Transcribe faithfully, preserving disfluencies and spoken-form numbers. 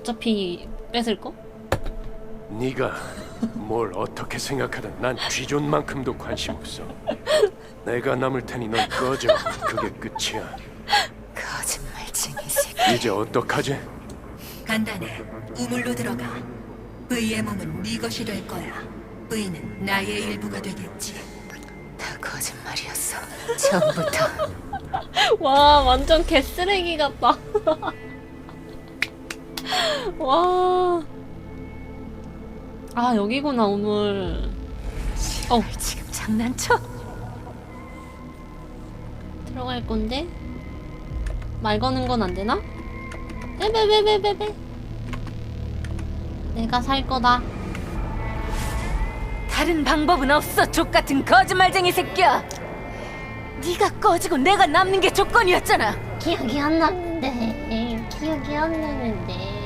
어차피 뺏을 거? 네가 뭘 어떻게 생각하든 난 쥐존만큼도 관심 없어. 내가 남을 테니 넌 꺼져. 그게 끝이야. 거짓말쟁이 새끼. 이제 어떡하지? 간단해. 우물로 들어가. V의 몸은 네 것이 될 거야. V는 나의 일부가 되겠지. 다 거짓말이었어. 처음부터. 와 완전 개쓰레기 같다. 와. 아 여기구나 오늘. 어 지금 장난쳐? 들어갈 건데 말 거는 건 안 되나? 베베베베베베. 내가 살 거다. 다른 방법은 없어. 족같은 거짓말쟁이 새끼야. 네가 꺼지고 내가 남는 게 조건이었잖아. 기억이 안 나는데. 기억이 안 나는데.